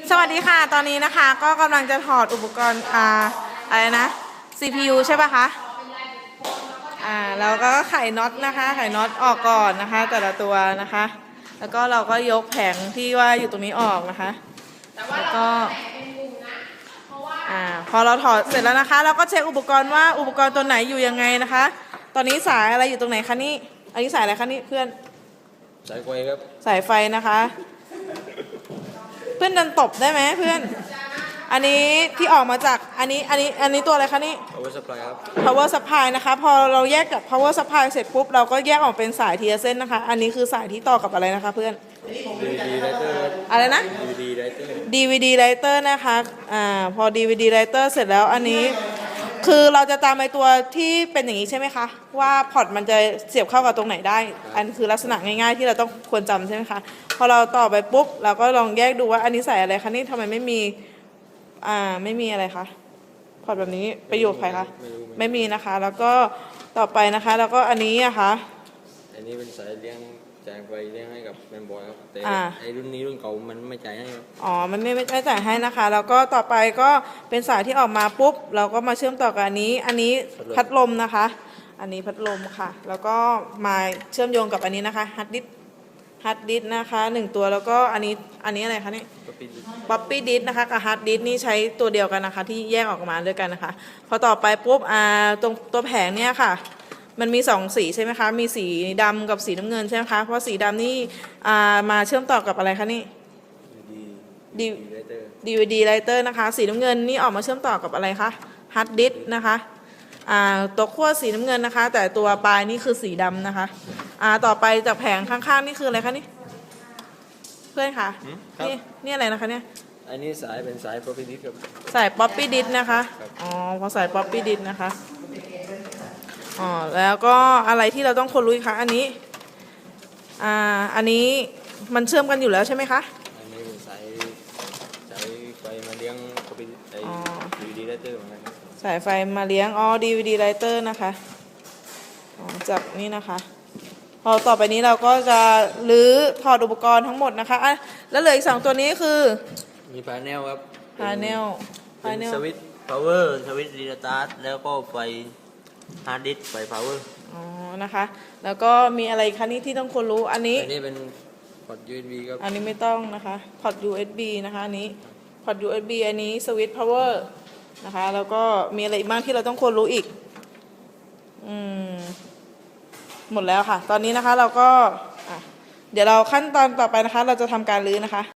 สวัสดีค่ะตอนนี้นะคะก็กำลังจะถอดอุปกรณ์อะไรนะ CPU ใช่ป่ะคะแล้วก็ไขน็อตนะคะไขน็อตออกก่อนนะคะแต่ละตัวนะคะแล้วก็เราก็ยกแผงที่ว่าอยู่ตรงนี้ออกนะคะแล้วก็พอเราถอดเสร็จแล้วนะคะเราก็เช็คอุปกรณ์ว่าอุปกรณ์ตัวไหนอยู่ยังไงนะคะตอนนี้สายอะไรอยู่ตรงไหนคะนี่อันนี้สายอะไรคะนี่เพื่อนสายไฟครับสายไฟนะคะเพื่อนดันตบได้ไหมเพื่อนอันนี้ที่ออกมาจากอันนี้ตัวอะไรคะนี่ power supply ครับ power supply นะคะพอเราแยกกับ power supply เสร็จปุ๊บเราก็แยกออกเป็นสายทีละเส้นนะคะอันนี้คือสายที่ต่อกับอะไรนะคะเพื่อน DVD writer อะไรนะ DVD writer DVD writer นะคะพอ DVD writer เสร็จแล้วอันนี้คือเราจะตามไอตัวที่เป็นอย่างนี้ใช่ไหมคะว่าพอร์ตมันจะเสียบเข้ากับตรงไหนได้อันคือลักษณะง่ายๆที่เราต้องควรจำใช่ไหมคะพอเราต่อไปปุ๊บเราก็ลองแยกดูว่าอันนี้ใส่อะไรคะนี่ทำไมไม่มีไม่มีอะไรคะพอร์ตแบบนี้ไปอยู่กับใครคะไม่มีนะคะแล้วก็ต่อไปนะคะแล้วก็อันนี้อะคะอันนี้เป็นสายเลี้ยงจ่ายไฟเลี้ยงให้กับแมนบอยครับแต่ไอรุ่นนี้รุ่นเก่ามันไม่จ่ายให้ครับมันไม่จ่ายให้นะคะแล้วก็ต่อไปก็เป็นสายที่ออกมาปุ๊บเราก็มาเชื่อมต่อกับอันนี้พัดลมนะคะอันนี้พัดลมค่ะแล้วก็มาเชื่อมโยงกับอันนี้นะคะฮาร์ดดิสนะคะ1ตัวแล้วก็อันนี้อะไรคะนี่ป๊อปปี้ดิสนะคะกับฮาร์ดดิสนี่ใช้ตัวเดียวกันนะคะที่แยกออกมาด้วยกันนะคะพอต่อไปปุ๊บตรงตัวแผงเนี่ยค่ะมันมี2สีใช่ไหมคะมีสีดำกับสีน้ำเงินใช่ไหมคะเพราะสีดำนี่มาเชื่อมต่อกับอะไรคะนี่ DVD writer นะคะสีน้ำเงินนี่ออกมาเชื่อมต่อกับอะไรคะฮาร์ดดิสนะคะตัวขั้วสีน้ำเงินนะคะแต่ตัวปลายนี่คือสีดำนะคะต่อไปจากแผงข้างๆนี่คืออะไรคะนี่เพื่อนคะนี่อะไรนะคะเนี่ยอันนี้สายเป็นสาย poppy disk ครับสาย poppy disk นะคะพอสาย poppy disk นะคะแล้วก็อะไรที่เราต้องคนรู้คะอันนี้มันเชื่อมกันอยู่แล้วใช่ไหมคะอันนี้เป็นสายไฟมาเลี้ยง poppy DVD writer เหมือนกันสายไฟมาเลี้ยงDVD writer นะคะจากนี่นะคะพอต่อไปนี้เราก็จะรื้อถอดอุปกรณ์ทั้งหมดนะคะแล้วเหลืออีก2ตัวนี้คือมี panel ครับ panel สวิตช์ power สวิตช์รีสตาร์ทแล้วก็ไฟฮาร์ดดิสก์ไฟ power นะคะแล้วก็มีอะไรคะนี่ที่ต้องควรรู้อันนี้เป็นพอร์ต USB ครับอันนี้ไม่ต้องนะคะพอร์ต USB นะคะอันนี้พอร์ต USB อันนี้สวิตช์ power นะคะแล้วก็มีอะไรอีกบ้างที่เราต้องควรรู้อีกหมดแล้วค่ะตอนนี้นะคะเราก็เดี๋ยวเราขั้นตอนต่อไปนะคะเราจะทำการรื้อนะคะ